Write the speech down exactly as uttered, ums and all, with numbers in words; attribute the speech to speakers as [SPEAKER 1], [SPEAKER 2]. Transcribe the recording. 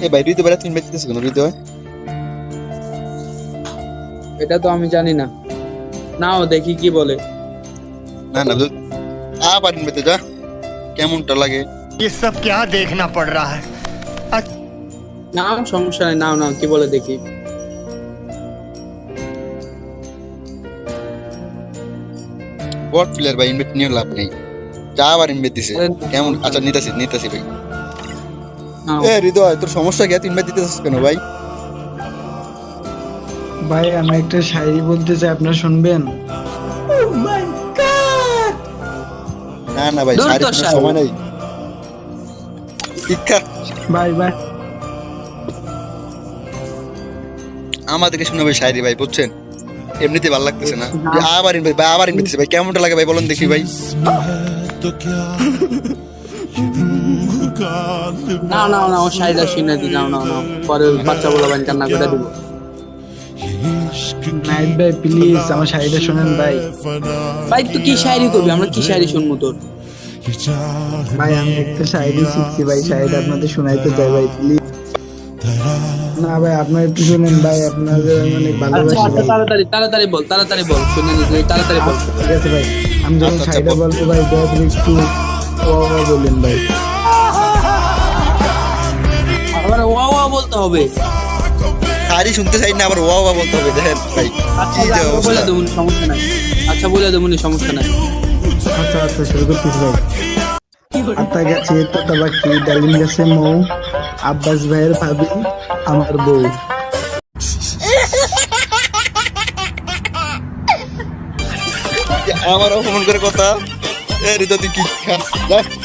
[SPEAKER 1] এ ভাই হৃদয় বেড়া তিন বেঁচতেছে কেন হৃদয়?
[SPEAKER 2] এটা তো আমি জানি না, নাও দেখি কি বলে।
[SPEAKER 1] না না আবার বেঁচে যা, কেমনটা লাগে?
[SPEAKER 3] ये सब क्या देखना पड़ रहा है।
[SPEAKER 2] নাও, সমস্যা নেই, নাও নাও কি বলে দেখি।
[SPEAKER 1] বট প্লেয়ার ভাই, ইনভেট নিয়ে লাভ নেই, যা আবার ইনভেট দিছে। কেমন? আচ্ছা নিতাছি নিতাছি ভাই।
[SPEAKER 2] নাও।
[SPEAKER 1] এ হৃদয় তোর সমস্যা কি, ইনভেট দিতেছিস কেন ভাই?
[SPEAKER 4] ভাই আমি একটা শায়রি বলতে চাই, আপনারা শুনবেন?
[SPEAKER 1] না না ভাই,
[SPEAKER 2] দূর
[SPEAKER 1] শাড়ি
[SPEAKER 2] তো
[SPEAKER 1] শোনার
[SPEAKER 2] শাড়ি।
[SPEAKER 1] সময় নেই। শিক্ষা
[SPEAKER 4] ভাই ভাই
[SPEAKER 1] আমাদেরকে শুনে ভাই শায়রি ভাই, বুঝছেন? এমনিতে ভালো লাগতেছে না। যে আবার ইনভেট ভাই, আবার ইনভেট দিছে ভাই, কেমনটা লাগে ভাই বলুন দেখি ভাই।
[SPEAKER 2] নাও নাও নাও, শাড়িটা শুনে দি, নাও নাও নাও, পরে বাচ্চা বলা বান কান্না করে দিব।
[SPEAKER 4] নাইট ভাই প্লিজ আমার শায়রিটা শুনেন ভাই।
[SPEAKER 2] ভাই তুই কি শায়রি করবি, আমরা কি শায়রি শুনবো তোর?
[SPEAKER 4] ভাই আমি একটা শায়রি শিখছি ভাই, শায়রিটা আপনাদের শোনাইতে চাই ভাই প্লিজ। না ভাই আপনারা একটু শুনেন ভাই, আপনাদের আমি অনেক
[SPEAKER 2] আচ্ছা
[SPEAKER 4] ভালোবাসি
[SPEAKER 2] আচ্ছা,
[SPEAKER 4] ভাই।
[SPEAKER 2] তাড়াতাড়ি তাড়াতাড়ি বল, তাড়াতাড়ি বল, শুনে নি তুই, তাড়াতাড়ি বল।
[SPEAKER 4] আচ্ছা, ঠিক আছে ভাই, আমি যখন
[SPEAKER 1] আচ্ছা, আচ্ছা,
[SPEAKER 4] শায়রিটা
[SPEAKER 1] বল।
[SPEAKER 4] বলবো ভাই দয়া করে একটু ওয়া ওয়া বললেন ভাই।
[SPEAKER 2] আবার ওয়া ওয়া বলতে হবে।
[SPEAKER 1] শাড়ি শুনতে চাই না, আবার ওয়া ওয়া বলতে হবে। দেখেন ভাই
[SPEAKER 2] আচ্ছা
[SPEAKER 1] কি যে
[SPEAKER 2] আচ্ছা,
[SPEAKER 1] অবস্থা।
[SPEAKER 2] বলে দেবো, সমস্যা নাই। আচ্ছা বলে দেবো, সমস্যা নাই।
[SPEAKER 4] আচ্ছা আচ্ছা শুরু করতেছি ভাই। আতা গাছে তোতা পাখি, ডালিম গাছে মৌ, আব্বাস ভাইয়ের ভাবি আমার বউ।
[SPEAKER 1] আমার অপমান করে কথা। এ হৃদয় তুই কি খা যা।